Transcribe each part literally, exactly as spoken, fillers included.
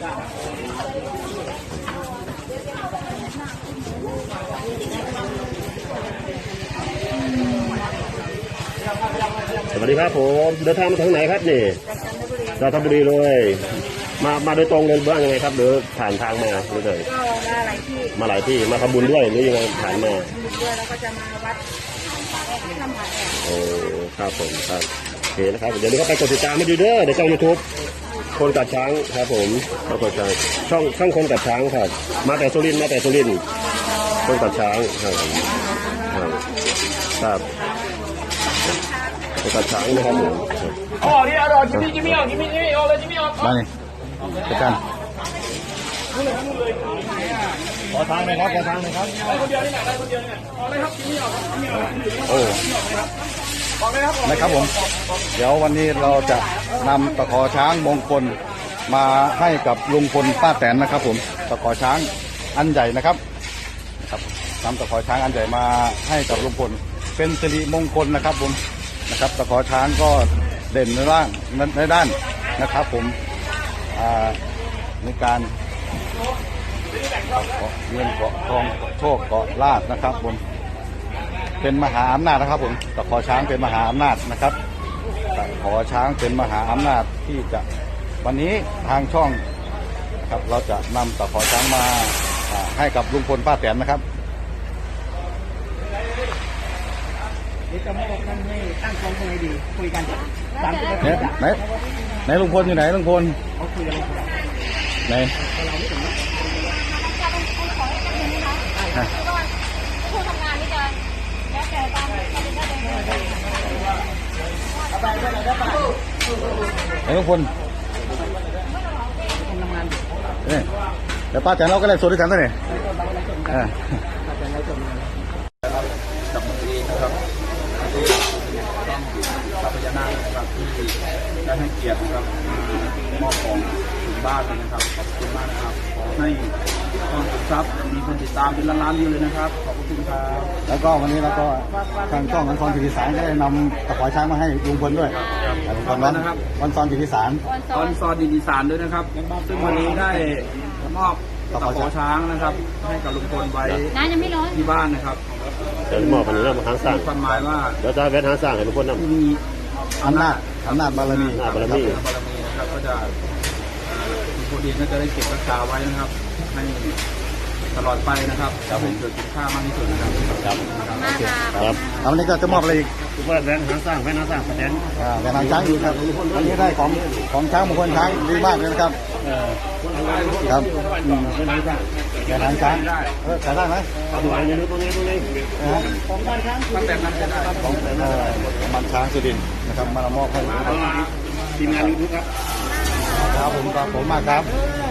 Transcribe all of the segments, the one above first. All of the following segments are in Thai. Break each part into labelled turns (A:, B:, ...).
A: สวัสดีครับผมเดินทางมาทางไหนครับนี่จันทบุรีเลยมามาโดยตรงเลยบ้างยังไงครับหรือผ่านทางมาหรือไง
B: ก็มาหลายที่
A: มาหลายที่มาทำบุญด้วยหรือยังไงผ่านมา
B: บุญด้วยแล้วก็จะมาวัดทำผัดแอก
A: โอ้ครับผมครับโอเคนะครับเดี๋ยวนี้ก็ไปกดติดตามให้ดูเด้อในช่องยูทูบคนกัดช้างครับผมมากดช้างช่องช่องคนกัดช้างครับมาแต่สุรินทร์มาแต่สุรินทร์คนกัดช้างครับครับครับคนกัดช้างนะครับผม
C: อ๋อนี่อร่อยจิมมี่จิมมี่ออกจิมมี่จิมมี่ออกเลยจิมมี่ออก
D: มาเลยจัดการ
A: ขอทางหน่อยครับขอทางหน่อยครับ
C: ได้คนเดียวนี่แหละได้คนเดียวเนี่ยออกเลยครับจิมมี่ออกจิมมี่ออก
D: โอ้
C: ออกเลยครับ
D: นะครับผมเดี๋ยววันนี้เราจะนำตะขอช้างมงคลมาให้กับลุงพลป้าแตนนะครับผมตะขอช้างอันใหญ่นะครับครับนำตะขอช้างอันใหญ่มาให้กับลุงพลเป็นสิริมงคลนะครับผมนะครับตะขอช้างก็เด่นในร่างในด้านนะครับผมในการเงินเกาะทองโชคเกาะลาภนะครับผมเป็นมหาอำนาจนะครับผมตะขอช้างเป็นมหาอำนาจนะครับตะขอช้างเป็นมหาอำนาจที่จะวันนี้ทางช่องครับเราจะนำตะขอช้างมาให้กับลุงพลป้าแตนนะครับ
B: นี่จะไม่บอกท่านให้ตั้งกองยังไงดีคุยกันสามสิบนาที
D: ไหนไหนลุงพลอยู่ไหนลุงพล
B: เขาคุยกัน
D: ไหน
E: ผู้ทำงานนี่จะแล้วแต่ตามการเดินได้เลย
D: ไหนลุงพลนี่เดี๋ยวป้าแตนเราก็เลยสดด้วยกันซะเนี่ย
C: จับมือดีนะครับต้องพญานาคนะครับที่ได้ให้เกียรตินะครับมอบของถึงบ้านเลยนะครับขอบคุณมากนะครับขอให้ช่องทรัพย์มีคนติดตามเป็นล้านๆวิวเลยนะครับขอบคุณครับ
D: แล้วก็วันนี้เราก็ทางช่องวันซอนทีวีสารได้นำตะขอช้างมาให้ลุงพลด้วยขอบคุณนะครับวันซอนทีวีสาร
C: วันซอนทีวีสารด้วยนะครับซึ่งวันนี้ได้มอบตะขอช้างนะครับให้กับลุงพลไว้ที่บ้านนะครับ
A: เดี๋ยวมอบพันธุ์แล้วมาทางสร้าง
C: ความหมายว่า
A: เดี๋ยวจะแวะทางสร้างให้ลุงพลนำ
C: มี
D: อำนาจอำนาจบารมี
A: บารมี
C: บารมีนะครับก็จะลุงพลเองก็จะได้เก็บรักษาไว้นะครับให้ตลอดไปนะครับจะเป็นเกิดคุณค่ามากที่สุดนะครับ
A: ครับ
D: ครับวันนี้ก็จะมอบอะไรอีก
A: ว่าแวะทางสร้างแวะทางสร้างแสดง
D: อ่าแวะทางช้างอีกครับวันนี้ได้ของของช้างมงคลช้างดีมากเลยนะครับครับแวะทางช้างเออขายได้ไหม
A: ตรงนี้ตรงนี้ตรงนี้
C: ของบ้านช้างตั้งแต่นั้นจะได้
D: ของมันช้างสุรินทร์นะครับมามอบให้
A: ทีมงานยูทูบครับ
D: ครับผมครับผมมากครับ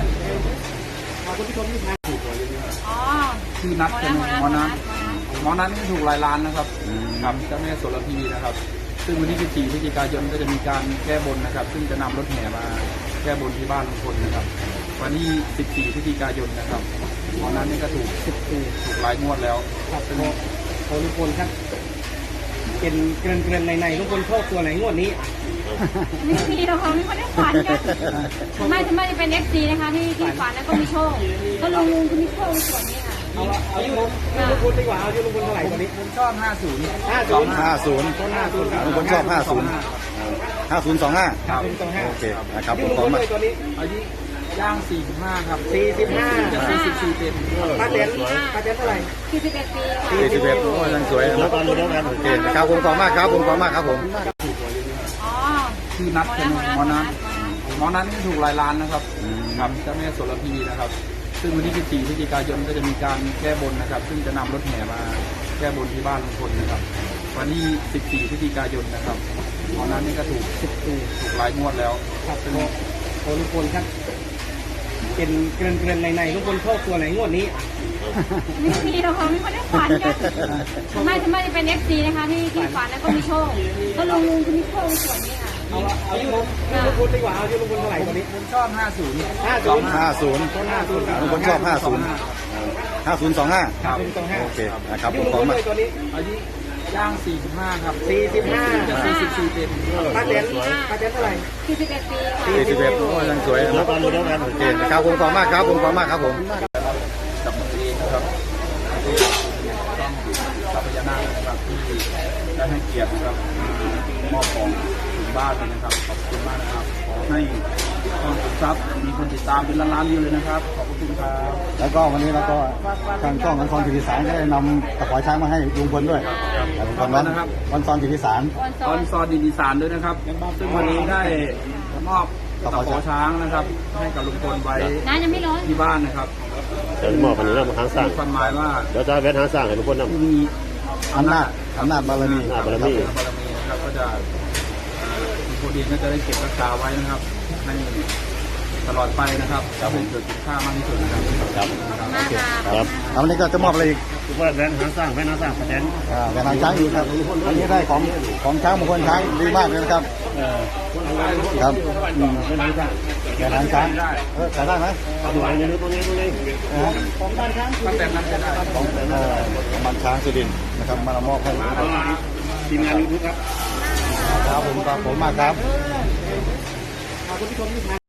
C: ที่นัดเป็นหมอนัทหมอนัทนี่ถูกหลายล้านนะครับครับเจ้าแม่โสระพีนะครับซึ่งวันที่สิบสี่พฤศจิกายนก็จะมีการแก้บนนะครับซึ่งจะนำรถแห่มาแก้บนที่บ้านลุงพลนะครับวันที่สิบสี่พฤศจิกายนนะครับหมอนัทนี่ก็ถูกสิบถูกหลายงวดแล้ว
B: เป็นของลุงพลครับเป็นเกลื่อนเกลื่อนในในลุงพลชอบตัวไหนงวดนี้
E: ไม่มีหรอกค่ะไม่ได้ฝันกันไม่ทำไมจะเป็นเอฟซีนะคะที่ที่ฝันแล้วก็มีโชคก็ลุงลุงคือมีโชคในส่วนนี้ค่ะ
B: เอาเอาที่ลุงลุงพลดีกว่าเอาที่ลุงพลเท่าไหร่ตอนนี้
C: ผมชอบห้าศูนย์
B: ห้าศูนย์
D: ห้าศูนย์ลุงพลชอบห้าศูนย์ห้าศูนย์สองห้าโอเคนะครับผมขอมา
B: ตัวนี้
C: อายุย่างสี่สิบห้าครับ
B: สี่สิบห้า
C: จะสี่สิบสี่เต็ม
B: ป้าเต็นป้าเต็นเท่าไหร่
E: สี่สิบเอ็ดปีค่ะ
D: สี่สิบเอ็ดโอ้ยังสวยแล้วกันแล้วกันโอเคครับผมขอบมากครับผมขอบมากครับผม
C: ที่นัดเป็นหมอนัทหมอนัทนี่ถูกหลายล้านนะครับครับเจ้าแม่โสระพีนะครับซึ่งวันที่สิบสี่พฤศจิกายนก็จะมีการแก้บนนะครับซึ่งจะนำรถแห่มาแก้บนที่บ้านลุงพลนะครับวันที่สิบสี่พฤศจิกายนนะครับหมอนัทนี่ก็ถูกสิบถูกหลายงวดแล้ว
B: ครับเป็นของลุงพลครับเป็นเกลื่อนเกลื่อนในในลุงพลชอบตัวไหนงวดนี้
E: ไม่มีหรอกค่ะไม่ได้ฝันกันทำไมทำไมจะเป็นเอฟซีนะคะที่ที่ฝันแล้วก็มีโชคก็ลุงลุงคือมีโชคในส่วนนี้ค่ะ
B: เอาเอาที่ลุงลุงพลดีกว่าเอาที่ลุงพลเท่าไหร่ตอนนี้
C: ผมชอบห้าศูนย์
B: ห้าศูนย์
D: ห้าศูนย์ลุงพลชอบห้าศูนย์ห้าศูนย์สองห้าโอเคนะครับผมขอมา
C: ตัวนี้อายุย่างสี่สิบห้าครับ
B: สี่สิบห้า
C: จะสี่สิบสี่เต็ม
B: ป้าเต็นป้าเต็นเท่าไหร่
E: สี่สิบเอ็ดปีค่ะ
D: สี่สิบเอ็ดโอ้ยังสวยนะ
A: แล้
D: คว รับ
A: กันเดียวกัน
D: โอเคนะครับผมขอบคุณมากครับผมขอบคุณมากครับผม
C: กับมือเองนะครับต้องทรัพยานาคนะครับที่ได้ให้เกียรตินะครับมอบของถึงบ้านเลยนะครับขอบคุณมากนะครับขอให้ช่องขุนทรัพย์มีคนติดตามเป็นล้านๆวิวเลยนะครับขอบคุณครับ
D: แล้วก็วันนี้เราก็ทางช่องอันซอนจิตติสารก็ได้นำตะขอช้างมาให้ลุงพลด้วยลุงพลวันวันซอนจิตติสาร
C: ตอนซอนดินอีสานด้วยนะครับ ซึ่งวันนี้ได้มอบตะขอช้างนะครับ ให้กับลุงพลไว้
E: น้ำยังไม่ร้อน
C: ที่บ้านนะครับ
A: เดี๋ยวมอบอันนี้เรามาทางสร้าง
C: มีความหมายว่า
A: เดี๋ยวจะแวะทางสร้างให้ทุกคนนำ
C: ผู้มี
D: อำนาจอำนาจบารมี
A: อำนาจบารมี
C: บารมีนะครับก็จะลุงพลเองก็จะได้เก็บรักษาไว้นะครับให้ตลอดไปนะครับจะเป็นเกิดคุณค่ามากที่สุดนะครับ
A: ครับ
E: มากค่ะ
A: ครับ
D: แล้ววันนี้ก็จะมอบอะไรอีก
A: ทุกคนแวะทางสร้างแวะทางสร้างประเด็น
D: อ่าแหวนหางช้างอีกครับวันนี้ได้ของของช้างมงคลช้างดีมากเลยนะครับครับอืม
A: แวะทางสร้าง
D: แหวนหางช้างเออใส่ได้ไหม
A: เอาดูอันนี้ตรงนี้ตรงนี้
D: นะฮะ
C: ตั้งแต่นั้นจะได้
D: ของเอ่อมันช้างสุรินทร์นะครับมามอบให้ครับ
A: ทีมงานยูทูบครับ
D: ครับผมครับผมมากครับ